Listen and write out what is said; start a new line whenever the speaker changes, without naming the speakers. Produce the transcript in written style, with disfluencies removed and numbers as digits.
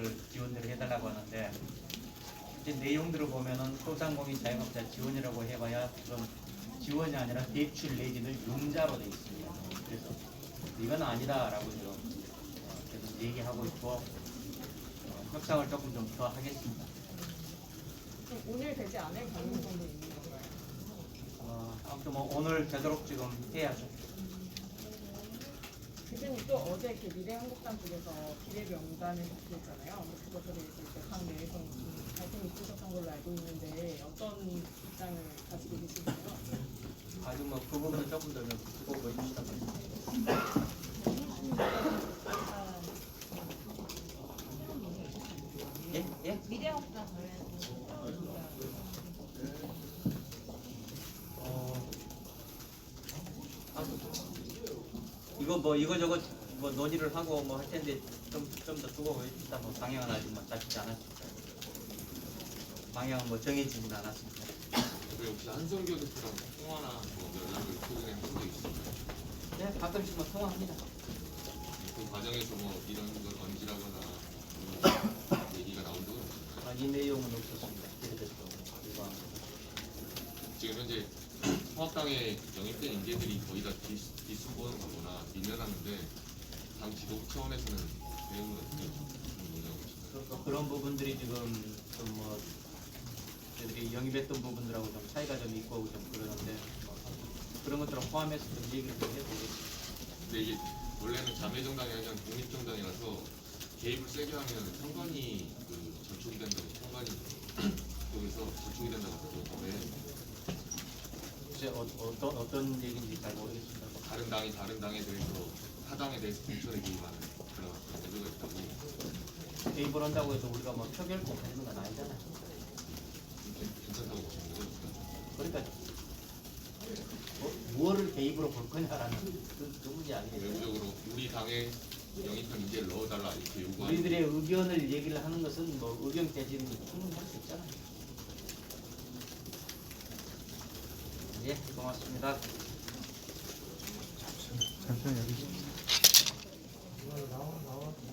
걸 지원을 해달라고 하는데 이제 내용들을 보면은 소상공인 자영업자 지원이라고 해봐야 지금 지원이 아니라 대출 내지는 융자로 돼 있습니다. 그래서 이건 아니다라고 지금 계속 얘기하고 있고 협상을 조금 좀 더 하겠습니다.
그럼 오늘 되지 않을 가능성도 있는 건가요?
아무튼 뭐 오늘 되도록 지금 해야죠.
교수님 또 어제 그 미래한국당 쪽에서 비례명단을 발표했잖아요. 그것에 대해서 이제 당 내에서 갈등이 있으셨던 걸로 알고 있는데 어떤 입장을 가지고 계신가요?
아주 뭐 그 부분은 조금 더 두고 보여주시다 보니까. 예? 예?
미래학당 관련해서
이거 뭐 이거저거 뭐 논의를 하고 뭐 할 텐데 좀 더 두고 보여주시다 뭐 방향은 아직 뭐 잡히지 않았습니다. 방향은 뭐 정해지진 않았습니다.
왜 혹시 한성교 대표랑 통화나 뭐 연락을 최근에 한 적이 있었나요?
네, 가끔씩 뭐 통화합니다.
그 과정에서 뭐 이런 걸 던지라거나 그런 얘기가 나온 적은 없나요?
이 내용은 없었습니다. 그래도 이거
지금 현재 통합당에 영입된 인재들이 거의 다 뒷수보는 가거나 밀려났는데 당 지도부 차원에서는 대응을 어떻게 논의하고 계신가요?
그런 부분들이 지금 좀 뭐 저희들이 영입했던 부분들하고 좀 차이가 좀 있고 좀 그러는데 뭐 그런 것들을 포함해서 좀 얘기를 좀 해보겠습니다.
근데 이게 원래는 자매정당이 아니라 독립정당이라서 개입을 세게 하면 선관위 그 저촉이 된다고 선관위 쪽에서 저촉이 된다고 하던데
글쎄 어떤 얘기인지 잘 모르겠습니다.
다른 당에 대해서 타당에 대해서 공천에 개입하는 그런 문제가 있다고
개입을 한다고 해서 우리가 뭐 표결권 하는 건 아니잖아요.
괜찮다고 보시는 거죠?
그러니까 무엇을 개입으로 볼 거냐라는 그 문제 아니에요.
외부적으로 우리 당에 영입한 인재를 넣어달라 이렇게 요구하는
우리들의 의견을 얘기를 하는 것은 뭐 의견 개진이 충분히 할 수 있잖아요. 예, 고맙습니다.
잠시만 여기. 나와.